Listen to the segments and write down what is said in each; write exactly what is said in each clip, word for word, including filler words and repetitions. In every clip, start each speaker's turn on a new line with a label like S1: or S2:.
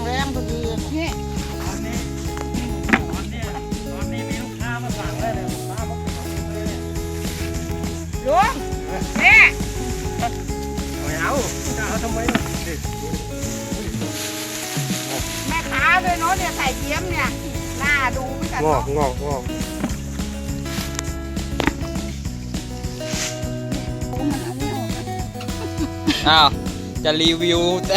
S1: แรงพอดีนี่
S2: ตอนนี้ตอนนี้ตอนนี้มีลูกค้ามาสั่งได้เลยลูกค้ามาสั่งเลย
S1: ลุงนี่
S2: ไม่เอาจะเอาทำไมล่ะ
S1: แม่ค้าด้วยเนาะเนี่ยใส่เทียมเนี่ยน่าดูเหมือนกัน
S2: งอกงอกงอก
S3: อ้าวจะรีวิวแต่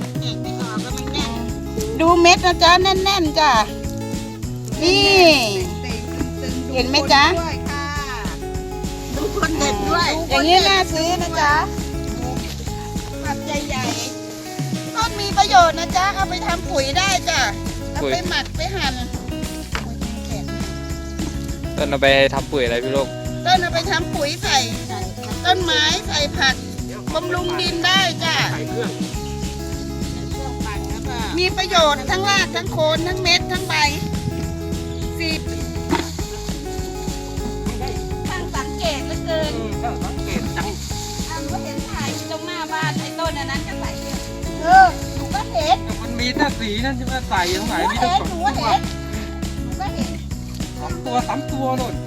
S1: ดูเม็ดนะจ๊ะแน่นๆจ้ะนี่เห็นไหมจ๊ะดูคนเด็ดด้วยอย่างนี้น่าซื้อนะจ๊ะผักใหญ่ๆต้นมีประโยชน์นะจ๊ะเอาไปทำปุ๋ยได้จ้ะเอาไปหมักไปหั่น
S3: ต้นเอาไปทำปุ๋ยอะไรพี่ลูก
S1: ต้นเอาไปทำปุ๋ยใส่ต้นไม้ใส่ผักบำรุงดินได้จ้ะมีประโยชน์ทั้งรากทั้งโคนทั้งเม็ดทั้งใบสิบช่างสังเกตเหลือเกิน
S2: สังเกตจัง
S1: อ่ะหนูเห็นถ่ายตรงหน้าบ้านไอ้ต้นอันนั้นก็ใส่เยอะเออหนูก็เห็น
S2: มันมีแต่สีนั่นใช่ไหมใส่ตรงไหน
S1: หนู
S2: มี
S1: เห็
S2: ตั้ง
S1: น
S2: สอง
S1: หนู
S2: ตัว
S1: เห็นหนูก็เห็น
S2: สองตัวสามตัวนู่น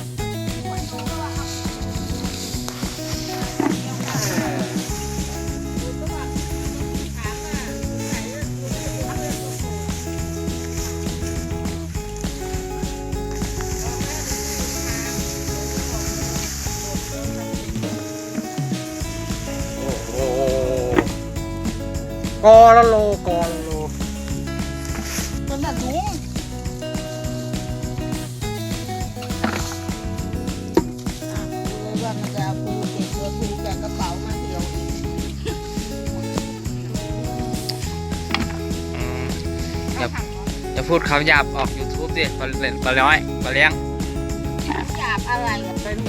S2: กอละโลกอละโล
S1: ต้นน่ะลุงอ่ะดูเลยว่ามันจะเอาปูเก็บตัวปูแกะกระเป๋ามาเดียวเอง
S3: อย่าอย่าพูดคำหยาบออก ยูทูบ ดิปลาเล่นปลาน้อยปลาเลี้ยง
S1: หยาบอะไรอ่ะ
S2: เป็น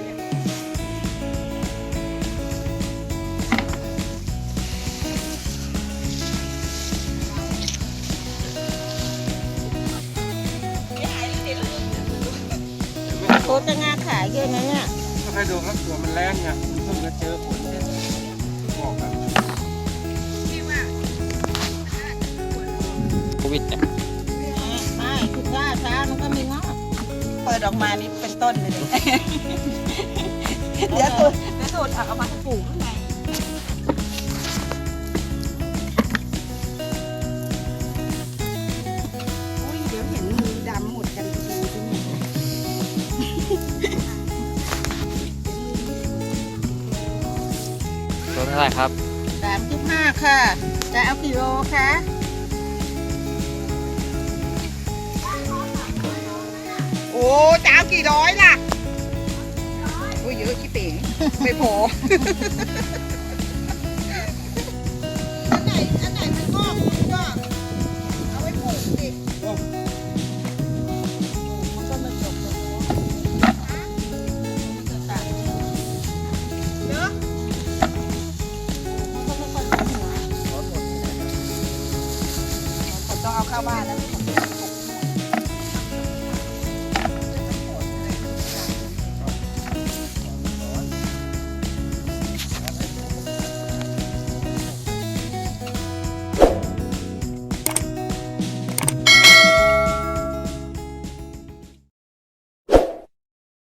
S1: โคจะงาขายเยอะไหมเนี่ย
S2: ไม่เคยดูครับตัวมันแรงไงมันเพิ่งจะเจอฝนเนี่ยงอกครับ
S1: พี่ว่า
S3: โควิดเนี่ย
S1: ไม่คือช้าช้ามันก็มีงอกเปิดออกมานี่เป็นต้นเลยดิ เดี๋ยวตูดเดี๋ยวตูดเอามาปลูกข้างในอุ้ยเดี๋ยวเห็นมือดำหมดกันทีทีเนี่ย
S3: ตัวเท่าไหร่ครับ
S1: สามสิบห้าค่ะ จะเอากี่โลคะโอ้จะเอากี่ร้อยล่ะโอ้ยเยอะชิเป๋งไม่พอ